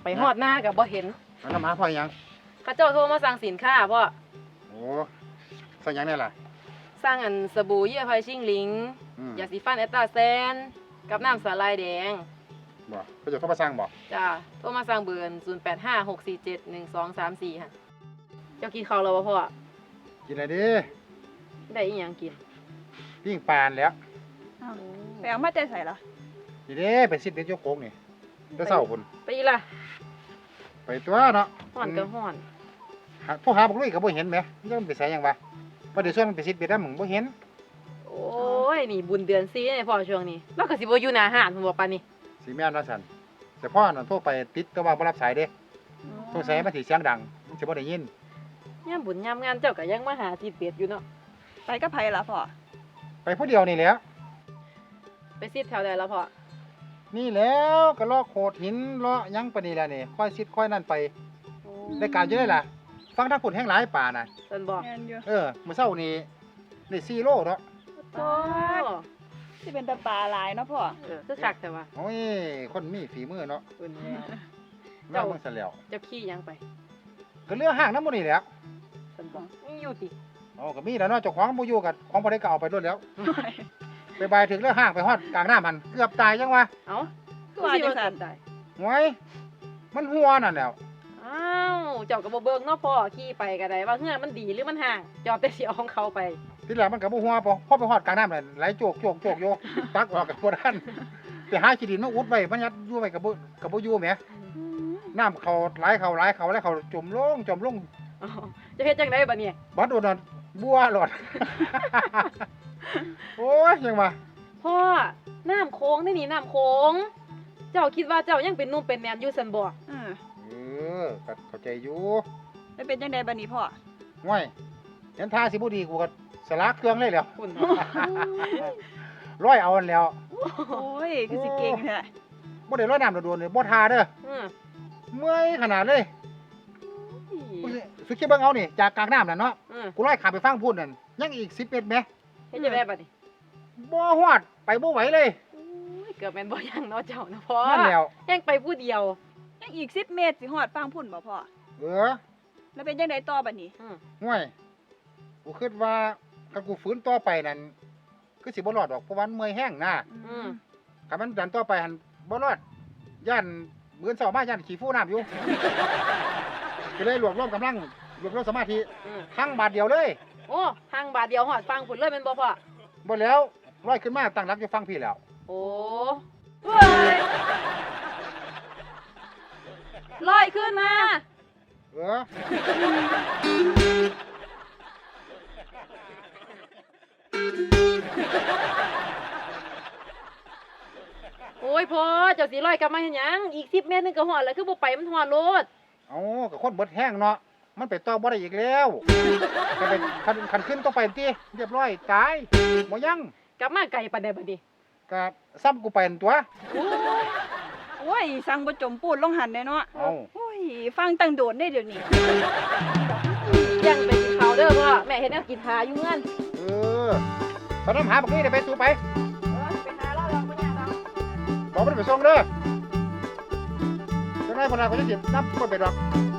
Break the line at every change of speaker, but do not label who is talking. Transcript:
ไปฮอดหน้ากับบ่เห็น
มันน้ำหาพ่อยัง
ข้าเจ้าโทรมาสั่งสินค้าพ่อ
โอ้สั่งยังเนี่ยล่ะ
สั่งอันสบู่เยื่อไผ่ชิงหลิงยาสีฟันแอตตาแซนกับน้ำสาลายแดง
บ่เขาจะโทรมาสั่งบ่
จ้าโทรมาสั่งเบอร์0856471234ค่ะเจ้ากินข้าวแล้วบ่พ่อ
กินอะไรดิ
ได้อีหยังกิน
ปิ้งปลาแล้ว
ไปเอามาแต่ใส่ละ
นี่เด้ไปซิดเด็ดยกโค้งนี่จะเศร้าพุ่น
ไปอีล่ะ
ไปตัวเนาะ
ฮ้อนก็ฮ้อน
พวกหาบักลุยก็บ่เห็นแหมยังไปใส่ยังวะบ่ได้ส่วนมันไปซิดเบ็ดนำมึงบ่เห็น
โอ้ยนี่บุญเดือน4นี่พ่อช่วงนี้เราก็สิบ่อยู่หน้าห้านพุ่นบ่ปานนี้
สิแม่นว่าซั่นแต่พ่อน่ะโทรไปติดก็ว่าบ่รับสายเด้สงสัยมันสิเสียงดังมันสิบ่ได้ยิน
ยามบุญยามงานเจ้าก็ยังมาหาซิดเบ็ดอยู่เนาะ
ไปกับไผล่ะพ่อ
ไปผู้เดียวนี่แหละ
ไปซิดแถวใดแล้วพ่อ
นี่แล้วก็เลาะโขดหินเลาะยังปานนี้แหละนี่ค่อยซิดค่อยนั่นไปได้การอยู่ได้ล่ะฟังทางพุ่นแห้งหลายป่าน่ะ
เพิ่นบอก
มื้อเช้านี้ได้4โลเนาะ
โอ้
สิเป็นตาปลาหลายเนาะพ่อ
คือคักแต่ว่า
โอ้ยคนมีฝีมือเนาะ
เพิ่น
แล้วเจ้าเบิ่งซะแล้ว
เจ้าขี้ยังไป
ก็เรือห้างนำบ่นี่แหละ
เพิ่นบอกมีอยู่ติ
อ๋อก็มีแล้วเนาะเจ้าของบ่อยู่กันของบ่ได้ก็เอาไปรถแล้วไปบายถึงเรือห้างไปฮอดกลางน้ามันเกือบตายจังวะ
เอ้าคือว่าจังซั่นตาย
โอ้ยมันหัวนั่นแล้ว
อ้าวเจ้าก็บ่เบิ่งเนาะพ่อขี่ไปก็ได้ว่าเฮือนมันดีหรือมันห่างจอดแต่สิเอาของเขาไป
ทีหลังมันก็บ่หัวพอไปฮอดกลางน้ำนั่นไหลโจกอยู่ตักออกก็บ่ทันไปหาขี้ดินมาอุดไว้มันยัดอยู่ไว้ก็บ่อยู่แหมน้ำเข้าไหลเข้าแล้วเขาจมลง
จะเฮ็ดจังได๋บัดนี้
บ่โดนนั่นบัวหลอดโอ้ยยังว่า
พ่อน้ำโค้งนี่น้ำโค้งเจ้าคิดว่าเจ้ายังเป็นหนุ่มเป็นแม่นอยู่ซั่นบ่
ก็เข้าใจอยู่
แล้วเป็นจังได๋บัดนี้พ่อ
ง่อยเห็นท่าสิบ่ดีกูก็สลากเครื่องเลยแล้ว
คุณ
ร้อยเอาอันแล้ว
โอ้ยคือสิเก่งแท้
บ่ได้ร้อยน้ำโดนเลยบ่ทาเด้อเมื่อยขนาดเลยสุดคิดเบิ่งเอานี่จากกลางน้ำนั่นเนาะกูร้อยข้ามไปฟังพูดนั่นยังอีก10เมตรแหม
เฮ็ดจังได๋บัดนี้
บ่ฮอดไปบ่ไหวเลย
เกือบแม่นบ่ยังเนาะเจ้านะพ่อ
นั่นแล้ว
ยังไปผู้เดียว
ยังอีก10เมตรสิฮอดฟังพุ่นบ่พ่อแล้วเป็นจังได๋ต่อบัดนี้
ห่วยกูคิดว่าถ้ากูฝืนต่อไปนั่นคือสิบ่รอดดอกเพราะว่าเมื่อยแห้งนะถ้ามันดันต่อไปหั่นบ่รอดย่านมื้อเช้ามาย่านขี้ฟูน้ำอยู่ก็เลยรวบรวมกำลังรวบรวมสมาธิทั้งบาทเดียวเลย
โอ้ทางบาทเดียวฮอดฟังพุ่นเลยแม่นบ่พ่อ
บ่แล้วร้อยขึ้นมาตั้งหลักอยู่ฟังพี่แล้ว
โอ้ลอยขึ้นมาโอ้ยพ่อเจ้าสิลอยกลับมาเฮ็ดหยังอีก10เมตรนึงก็ฮอดแล้วคือบ่ไปมันฮอดโลด
เอ้าก็คนเบิดแห้งเนาะมันไปต่อบ่ได้อีกแล้วก็ไปคันขึ้นต้องไปติเรียบร้อยตายบ่ยัง
กลับมาไกลปานใดบัดนี้
ก็ซ้ำกูไปนั่นตัว
โอ้ยสั่งบ่จมปูดลงหันได้เนาะโอ้ยฟังตั้งโดดได้เดี๋ยวนี้
ยังไปกินข้าวเด้อพ่อแม่เฮ็ดแนวกินหาอยู่เงิน
ไปนำหาบักนี่ได้ไปสู่ไป
ไปหาเราแล้วบ่ยากดอก
บอกมันไปส่งเด้อจังได๋พุ่นน่ะก็จะสินำคนไปดอก